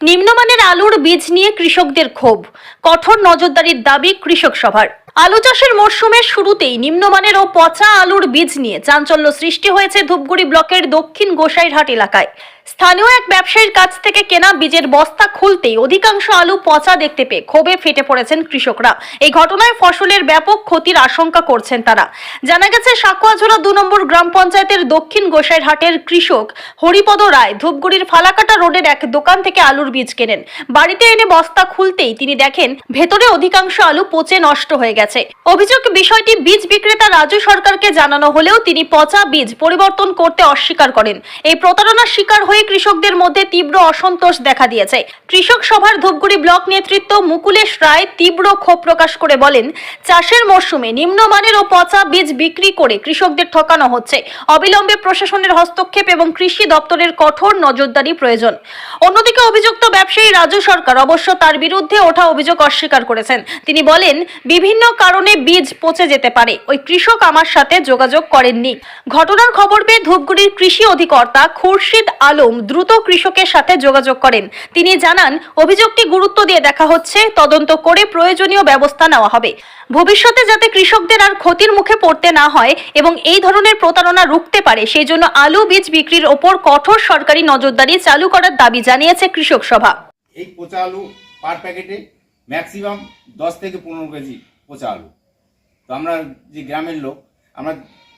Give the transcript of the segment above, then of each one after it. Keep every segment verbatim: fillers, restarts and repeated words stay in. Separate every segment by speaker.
Speaker 1: নিম্নমানের আলুর বীজ নিয়ে কৃষকদের ক্ষোভ, কঠোর নজরদারির দাবি কৃষক সভার। আলু চাষের মরশুমের শুরুতেই নিম্নমানের ও পচা আলুর বীজ নিয়ে চাঞ্চল্য সৃষ্টি হয়েছে ধূপগুড়ি ব্লকের দক্ষিণ গোসাইরহাট এলাকায়। স্থানীয় এক ব্যবসায়ীর কাছ থেকে কেনা বীজের বস্তা খুলতেই অধিকাংশ আলু পচা দেখতে পেয়ে ক্ষোভে ফেটে পড়েছেন কৃষকরা। এই ঘটনায় ফসলের ব্যাপক ক্ষতির আশঙ্কা করছেন তারা। জানা গেছে, সাকুয়াঝোড়া দু নম্বর গ্রাম পঞ্চায়েতের দক্ষিণ গোসাইরহাটের কৃষক হরিপদ রায় ধূপগুড়ির ফালাকাটা রোডের এক দোকান থেকে আলুর বীজ কেনেন। বাড়িতে এনে বস্তা খুলতেই তিনি দেখেন ভেতরে অধিকাংশ আলু পচে নষ্ট হয়ে গেছে। অভিযোগ, বিষয়টি বীজ বিক্রেতা রাজু সরকারকে জানানো হলেও তিনি পচা বীজ পরিবর্তন করতে অস্বীকার করেন। এই প্রতারণার শিকার হয়ে কৃষকদের মধ্যে তীব্র অসন্তোষ দেখা দিয়েছে। কৃষক সভার ধূপগুড়ি ব্লক নেতৃত্ব মুকুলেশ রায় তীব্র ক্ষোভ প্রকাশ করে বলেন, চাষের মরশুমে নিম্নমানের ও পচা বীজ বিক্রি করে কৃষকদের ঠকানো হচ্ছে। অবিলম্বে প্রশাসনের হস্তক্ষেপ এবং কৃষি দপ্তরের কঠোর নজরদারি প্রয়োজন। অন্যদিকে অভিযুক্ত ব্যবসায়ী রাজু সরকার অবশ্য তার বিরুদ্ধে ওঠা অভিযোগ অস্বীকার করেছেন। তিনি বলেন, বিভিন্ন কারণে বীজ পচে যেতে পারে, ওই কৃষক আমার সাথে যোগাযোগ করেননি। ঘটনার খবর পেয়ে ধূপগুড়ির কৃষি অধিকর্তা খুরশিদ আলম দ্রুত কৃষকের সাথে যোগাযোগ করেন। তিনি জানান, অভিযোগটি গুরুত্ব দিয়ে দেখা হচ্ছে, তদন্ত করে প্রয়োজনীয় ব্যবস্থা নেওয়া হবে। ভবিষ্যতে যাতে কৃষকদের আর ক্ষতির মুখে পড়তে না হয় এবং এই ধরনের প্রতারণা রুখতে পারে, সেই জন্য আলু বীজ বিক্রির ওপর কঠোর সরকারি নজরদারি চালু করার দাবি জানিয়েছে কৃষক সভা।
Speaker 2: এই পচা আলু পার প্যাকেটে ম্যাক্সিমাম দশ থেকে পনেরো কেজি পচা আলু। তো আমরা যে গ্রামের লোক, আমরা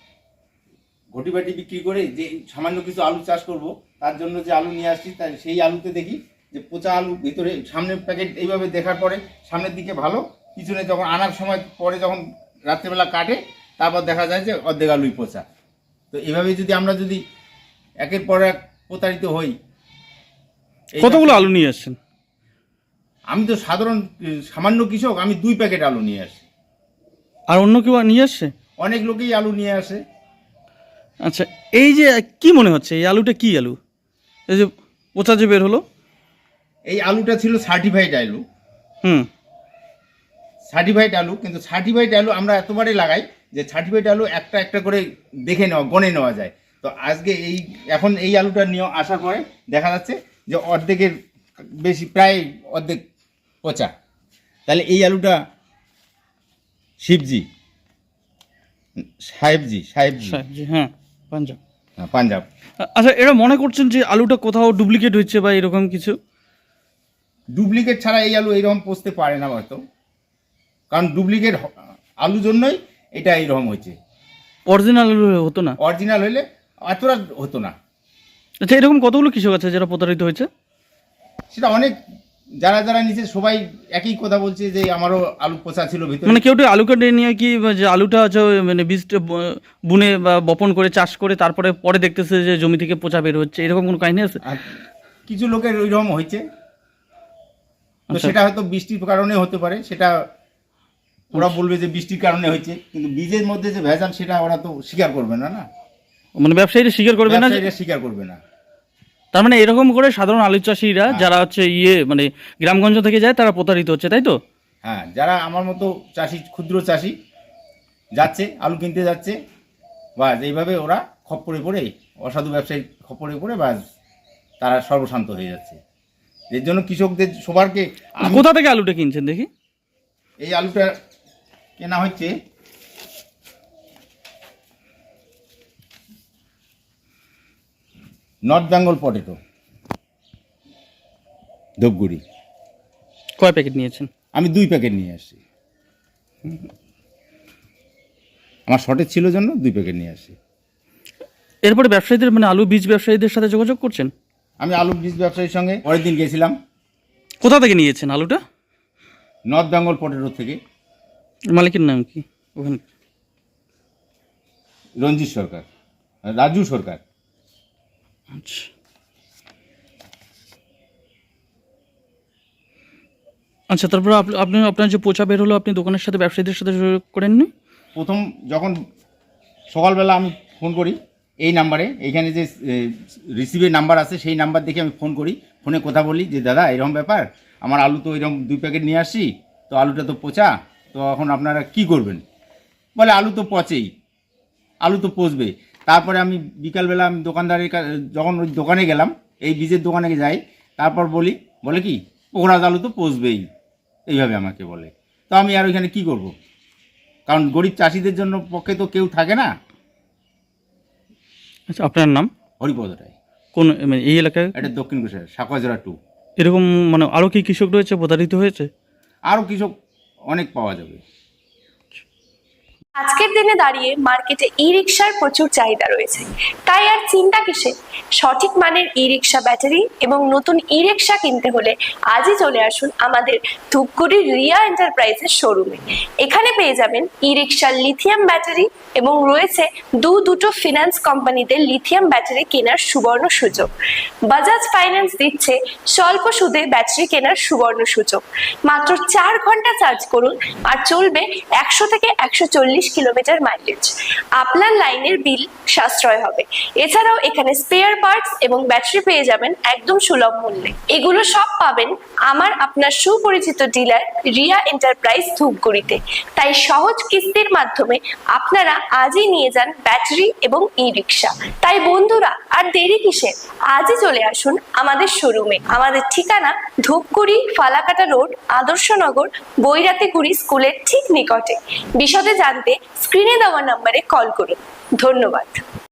Speaker 2: ঘটি বাটি বিক্রি করে যে সামান্য কিছু আলু চাষ করব, তার জন্য যে আলু নিয়ে আসছি, তাই সেই আলুতে দেখি যে পচা আলু ভিতরে। সামনের প্যাকেট এইভাবে দেখার পরে সামনের দিকে ভালো, পিছনে যখন আনার সময় পরে যখন রাত্রেবেলা কাটে, তারপর দেখা যায় যে অর্ধেক আলুই পচা। তো এভাবে যদি আমরা যদি একের পর এক প্রতারিত হই।
Speaker 3: কতগুলো আলু নিয়ে আসছেন?
Speaker 2: আমি তো সাধারণ সামান্য কৃষক, আমি দুই প্যাকেট আলু নিয়ে আসি।
Speaker 3: আর অন্য কেউ নিয়ে আসছে?
Speaker 2: অনেক লোকেই আলু নিয়ে আসে।
Speaker 3: আচ্ছা, এই যে কি মনে হচ্ছে এই আলুটা কি আলু, এই যে পচা যে বের হলো?
Speaker 2: এই আলুটা ছিল সার্টিফাইড আলু।
Speaker 3: হুম
Speaker 2: সার্টিফাইড আলু, কিন্তু সার্টিফাইড আলু আমরা এতবারে লাগাই যে সার্টিফাইড আলু একটা একটা করে দেখে নেওয়া, গণে নেওয়া যায়। তো আজকে এই এখন এই আলুটা নিয়ে আসার পরে দেখা যাচ্ছে যে অর্ধেকের বেশি, প্রায় অর্ধেক পচা। তাহলে এই আলুটা শিবজি সাহেবজি সাহেবজি
Speaker 3: সাহেবজি হ্যাঁ, পাঞ্জাব।
Speaker 2: হ্যাঁ, পাঞ্জাব।
Speaker 3: আচ্ছা, এরা মনে করছেন যে আলুটা কোথাও ডুপ্লিকেট হচ্ছে বা এরকম কিছু?
Speaker 2: ডুপ্লিকেট ছাড়া এই আলু এইরকম পচতে পারে না হয়তো, কারণ ডুপ্লিকেট আলু জন্যই এটা এইরকম হয়েছে।
Speaker 3: অরিজিনাল আলু হতো না?
Speaker 2: অরিজিনাল হলে এতটা হতো না।
Speaker 3: আচ্ছা, এরকম কতগুলো কৃষক আছে যারা প্রতারিত হয়েছে?
Speaker 2: সেটা অনেক, যারা যারা নিচে সবাই একই কথা বলছে যে আমারও আলু পচা ছিল ভিতরে।
Speaker 3: মানে কেউ তো আলু কেটে নিয়ে কি যে আলুটা হচ্ছে মানে বীজটা বুনে বা বপন করে চাষ করে তারপরে পরে দেখতেছে যে জমি থেকে পচা বের হচ্ছে, এরকম কোনো কাহিনী আছে?
Speaker 2: আর কিছু লোকের ওইরকম হয়েছে। তো
Speaker 3: আচ্ছা।
Speaker 2: সেটা হয়তো বৃষ্টির কারণে হতে পারে, সেটা ওরা বলবে যে বৃষ্টির কারণে হয়েছে, কিন্তু বীজের মধ্যে যে ভেজাল সেটা ওরা তো স্বীকার করবে না। না,
Speaker 3: মানে ব্যবসায়ীরা স্বীকার করবে না?
Speaker 2: ব্যবসায়ীরা স্বীকার করবে না।
Speaker 3: তার মানে এরকম করে সাধারণ আলু চাষিরা যারা হচ্ছে ইয়ে মানে গ্রামগঞ্জ থেকে যায় তারা প্রতারিত হচ্ছে, তাই তো?
Speaker 2: হ্যাঁ, যারা আমার মতো চাষি, ক্ষুদ্র চাষি যাচ্ছে আলু কিনতে যাচ্ছে, বাস এইভাবে ওরা খপ্পরে পড়ে, অসাধু ব্যবসায়ী খপ্পরে পড়ে বাস তারা সর্বশান্ত হয়ে যাচ্ছে। এর জন্য কৃষকদের সবারকে।
Speaker 3: কোথা থেকে আলুটা কিনছেন দেখি?
Speaker 2: এই আলুটা কেনা হচ্ছে নর্থ বেঙ্গল পটেটো, ধূপগুড়ি।
Speaker 3: কয় প্যাকেট নিয়েছেন?
Speaker 2: আমি দুই প্যাকেট নিয়ে আসছি, আমার শর্টেজ ছিল জন্য দুই প্যাকেট নিয়ে আসি।
Speaker 3: এরপরে ব্যবসায়ীদের মানে আলু বীজ ব্যবসায়ীদের সাথে যোগাযোগ করছেন?
Speaker 2: আমি আলু বীজ ব্যবসায়ীর সঙ্গে পরের দিন গেছিলাম।
Speaker 3: কোথা থেকে নিয়েছেন আলুটা?
Speaker 2: নর্থ বেঙ্গল পটেটো থেকে।
Speaker 3: মালিকের নাম কি ওখানে?
Speaker 2: রঞ্জিত সরকার, রাজু সরকার।
Speaker 3: আচ্ছা, আচ্ছা, তারপর আপনি আপনার যে পচা বের হলো আপনি দোকানের সাথে ব্যবসায়ীদের সাথে যোগাযোগ করেননি?
Speaker 2: প্রথম যখন সকালবেলা আমি ফোন করি এই নাম্বারে, এইখানে যে রিসিভের নাম্বার আছে সেই নাম্বার দেখে আমি ফোন করি। ফোনে কথা বলি যে দাদা এরকম ব্যাপার, আমার আলু তো এরকম দুই প্যাকেট নিয়ে আসছি, তো আলুটা তো পচা, তো এখন আপনারা কি করবেন? বলে আলু তো পচেই, আলু তো পচবে। তারপরে আমি বিকালবেলা আমি দোকানদারের যখন ওই দোকানে গেলাম, এই বীজের দোকানে যাই, তারপর বলি বলে কি পোকরাজ আলু তো পচবেই, এইভাবে আমাকে বলে। তো আমি আর ওইখানে কি করব, কারণ গরিব চাষিদের জন্য পক্ষে তো কেউ থাকে না।
Speaker 3: আচ্ছা, আপনার নাম?
Speaker 2: হরিপদ রায়।
Speaker 3: কোন মানে এই এলাকায়?
Speaker 2: এটা দক্ষিণ কোষায় সাকুয়াজোড়া টু।
Speaker 3: এরকম মানে আরও কি কৃষক রয়েছে প্রতারিত হয়েছে?
Speaker 2: আরও কৃষক অনেক পাওয়া যাবে।
Speaker 4: আজকের দিনে দাঁড়িয়ে মার্কেটে ই রিক্সার প্রচুর চাহিদা রয়েছে, তাই আর চিন্তা কিসে? সঠিক মানের ই রিক্সা ব্যাটারি এবং নতুন ই রিক্সা কিনতে হলে আজই চলে আসুন আমাদের ধূপগুড়ির রিয়া এন্টারপ্রাইজের শোরুমে। এখানে পেয়ে যাবেন ই রিক্সার লিথিয়াম ব্যাটারি এবং রয়েছে দু দুটো ফিনান্স কোম্পানিতে লিথিয়াম ব্যাটারি কেনার সুবর্ণ সুযোগ। বাজাজ ফাইন্যান্স দিচ্ছে স্বল্প সুদে ব্যাটারি কেনার সুবর্ণ সুযোগ। মাত্র চার ঘন্টা চার্জ করুন আর চলবে একশো থেকে একশো চল্লিশ কিলোমিটার মাইলেজ। আপনার লাইনের বিল সাশ্রয় হবে। এছাড়াও এখানে স্পেয়ার পার্টস এবং ব্যাটারি পেয়ে যাবেন একদম সুলভ মূল্যে। এগুলো সব পাবেন আমার আপনার সুপরিচিত ডিলার রিয়া এন্টারপ্রাইজ ধূপগুড়িতে। তাই সহজ কিস্তির মাধ্যমে আপনারা আজই নিয়ে যান ব্যাটারি এবং ই রিক্সা। তাই বন্ধুরা আর দেরি কিসের, আজই চলে আসুন আমাদের শোরুমে। আমাদের ঠিকানা ধূপগুড়ি ফালাকাটা রোড, আদর্শনগর, বৈরাতিগুড়ি স্কুলের ঠিক নিকটে। বিশদে জানতে স্ক্রিনে দেওয়া নম্বরে কল করুন। ধন্যবাদ।